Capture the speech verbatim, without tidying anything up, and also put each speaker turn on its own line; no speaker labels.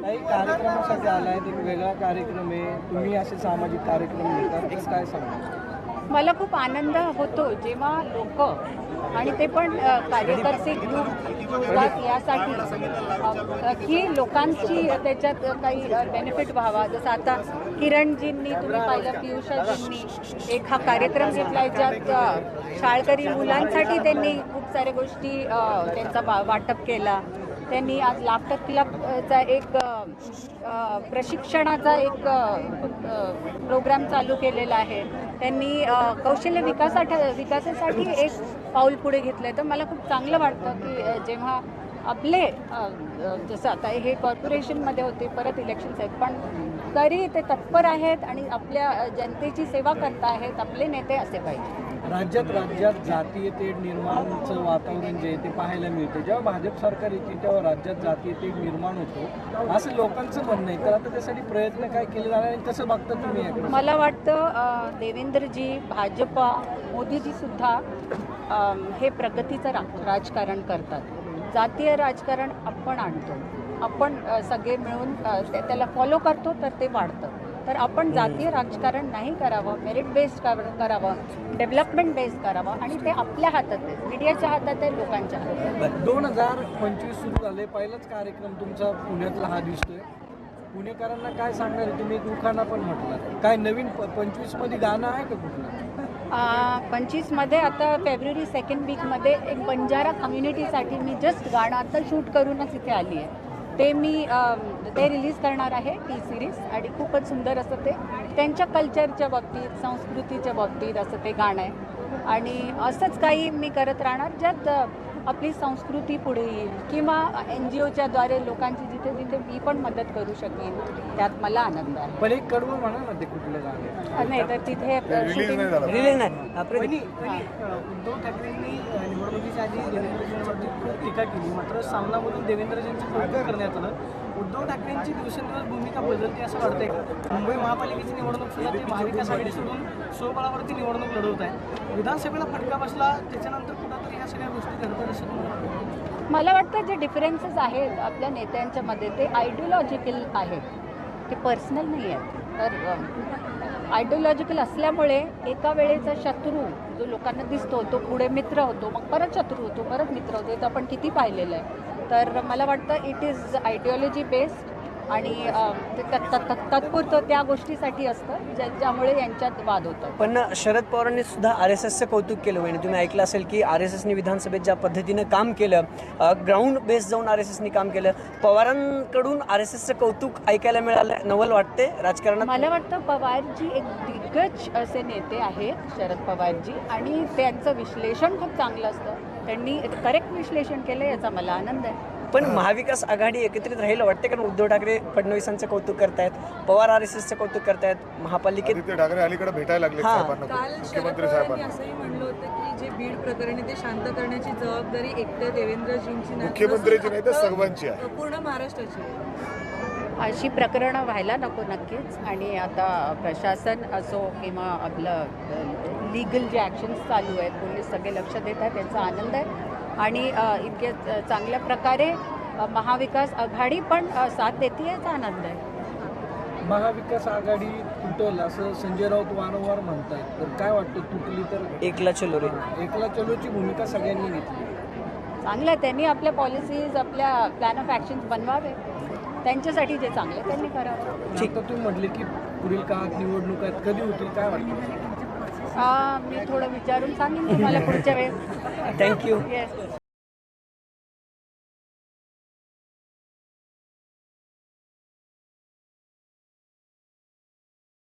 काही कार्यक्रमासाठी आलाय, एक वेगळा कार्यक्रम आहे, तुम्ही असे सामाजिक कार्यक्रम घेतात, तर काय सांगा?
मला खूप आनंद होतो जेव्हा लोक आणि ते पण अ, कार्यकर्ते ग्रुप जुळतात यासाठी अ, की लोकांची त्याच्यात काही बेनिफिट व्हावा. जसं आता किरणजींनी तुम्ही पाहिलं, पियुषाजींनी एक हा कार्यक्रम घेतला आहे ज्यात अ, शाळकरी मुलांसाठी त्यांनी खूप साऱ्या गोष्टी अ, त्यांचा वा वाटप केला. त्यांनी आज लाफ्टर क्लबचा एक अ, अ, प्रशिक्षणाचा एक प्रोग्राम चालू केलेला आहे. त्यांनी अ, कौशल्य विकासासाठी विकासासाठी एक पाऊल पुढे घेतलं आहे. तर मला खूप चांगलं वाटतं की अ, जेव्हा आपले अ, अ, जसं आता हे कॉर्पोरेशनमध्ये होते, परत इलेक्शन्स आहेत, पण तरी ते तत्पर आहेत आणि आपल्या अ, जनतेची सेवा करत आहेत. आपले नेते असे पाहिजे.
राज्यात राज्यात जातीय तेढ निर्माणचं वातावरण जे आहे ते पाहायला मिळते. जेव्हा भाजप सरकार येते तेव्हा राज्यात जातीय तेढ निर्माण होतो असं लोकांचं म्हणणं आहे. तर आता त्यासाठी प्रयत्न काय केले जाणार आणि कसं बघता तुम्ही याकडे?
मला वाटतं अ, देवेंद्रजी, भाजपा, मोदीजी सुद्धा अ, हे प्रगतीचं रा राजकारण करतात. जातीय राजकारण आपण आणतो, आपण अ, सगळे मिळून अ, त्या- त्याला फॉलो करतो तर ते वाढतं. तर आपण जातीय राजकारण नाही करावं, मेरिट बेस्ड करावं, डेव्हलपमेंट बेस्ड करावं आणि ते आपल्या हातात आहे, मीडियाच्या हातात आहे, लोकांच्या हातात आहे.
दोन हजार पंचवीस सुरू झाले, पहिलाच कार्यक्रम तुमचा पुण्यातला हा दिसतोय. पुणेकरांना काय सांगणार आहे तुम्ही? दुखाना पण म्हटलं, काय नवीन पंचवीस मध्ये गाणं आहे का कुठलं?
पंचवीसमध्ये आता फेब्रुवारी सेकंड वीकमध्ये एक बंजारा कम्युनिटीसाठी मी जस्ट गाणं आता शूट करूनच इथे आली आहे. ते मी अ, ते रिलीज करणार आहे, टी सिरीज, आणि खूपच सुंदर असं ते त्यांच्या कल्चरच्या बाबतीत, संस्कृतीच्या बाबतीत असं ते गाणं आहे. आणि असंच काही मी करत राहणार ज्यात अ, आपली संस्कृती पुढे येईल किंवा एन जी ओच्या द्वारे लोकांची जिथे जिथे मी पण मदत करू शकेन, त्यात मला आनंद आहे.
पण एक कडवं म्हणा ना ते कुठलं गाणं?
अ, नाही तर तिथे शूटिंग
रिलीज नाही आपलं
वहिनी, वहिनी, अ, उद्धव ठाकरेंनी अ, निवडणुकीच्या आधी देवेंद्रजींवरती खूप टीका केली, मात्र सामनामधून देवेंद्रजींचं कौतुक करण्यात आलं. उद्धव ठाकरेंची दिवसेंदिवस भूमिका बदलते असं वाटतंय का? मुंबई महापालिकेची निवडणूक सुद्धा ते महाविकास आघाडी सोडून स्वबळावरती निवडणूक लढवत आहे. विधानसभेला फटका बसला, त्याच्यानंतर कुठंतरी ह्या सगळ्या गोष्टी घडतात असं तुम्हाला वाटतं?
मला वाटतं जे डिफरन्सेस आहेत आपल्या नेत्यांच्या मध्ये ते आयडिओलॉजिकल आहेत, ते पर्सनल नाही आहेत. तर आयडिओलॉजिकल असल्यामुळे एका वेळेचा शत्रू जो लोकांना दिसतो तो पुढे मित्र होतो, मग परत शत्रू होतो, परत मित्र होतो. हे तर आपण किती पाहिलेलं आहे. तर मला वाटतं इट इज आयडिओलॉजी बेस्ड आणि अ, ते तत्- तत्- तत्- तात्पुरतं त्या गोष्टीसाठी असतं ज्या ज्यामुळे यांच्यात वाद होतात.
पण शरद पवारांनी सुद्धा आर एस एसचं कौतुक केलं. म्हणजे तुम्ही ऐकलं असेल की आर एस एसनी विधानसभेत ज्या पद्धतीनं काम केलं, ग्राउंड बेस जाऊन आर एस एसनी काम केलं, पवारांकडून आर एस एसचं कौतुक ऐकायला मिळालं. नवल वाटते राजकारणात.
मला वाटतं पवारजी एक दिग्गज असे नेते आहेत, शरद पवारजी, आणि त्यांचं विश्लेषण खूप चांगलं असतं. त्यांनी करेक्ट विश्लेषण केलं, याचा मला आनंद आहे.
पण महाविकास आघाडी एकत्रित राहिलं वाटते, कारण उद्धव ठाकरे फडणवीसांचं कौतुक करतायत, पवार आर एस एसचं कौतुक करतायत, महापालिकेत
आदित्य ठाकरे अलीकडे भेटायला लागले
हां.
साहेबांना,
काल शरद
मुख्यमंत्री
पवारांनी
साहेबांना.
असंही म्हणलं होतं की जे बीड प्रकरणी ते शांत करण्याची जबाबदारी एकट्या देवेंद्रजींची नाही,
मुख्यमंत्र्यांची नाही तर
अख्खं
सर्वांची आहे.
पूर्ण महाराष्ट्राची आहे.
अशी प्रकरणं व्हायला नको नक्कीच. आणि आता प्रशासन असो किंवा आपलं लीगल जे ॲक्शन्स चालू आहेत, पोलीस सगळे लक्ष देत आहेत, त्यांचा आनंद आहे. आणि अ, इतके च- चांगल्या प्रकारे अ, महाविकास आघाडी पण अ, साथ देते, याचा आनंद आहे.
महाविकास आघाडी तुटल असं संजय राऊत वारंवार म्हणतात, तर काय वाटतं तुटली तर?
एकला चलो रे.
एकला चलोची भूमिका सगळ्यांनी घेतली.
चांगलं आहे, त्यांनी आपल्या पॉलिसीज, आपल्या प्लॅन ऑफ ॲक्शन्स बनवावे. त्यांच्यासाठी जे चांगलं आहे त्यांनी करावं.
ठीक. तर तुम्ही म्हटले की पुढील काळात निवडणूक आहेत, कधी होतील काय वाटतं?
आ, मी थोडं विचारून सांगेन तुम्हाला पुढच्या वेळेस.
थँक्यू.
येस.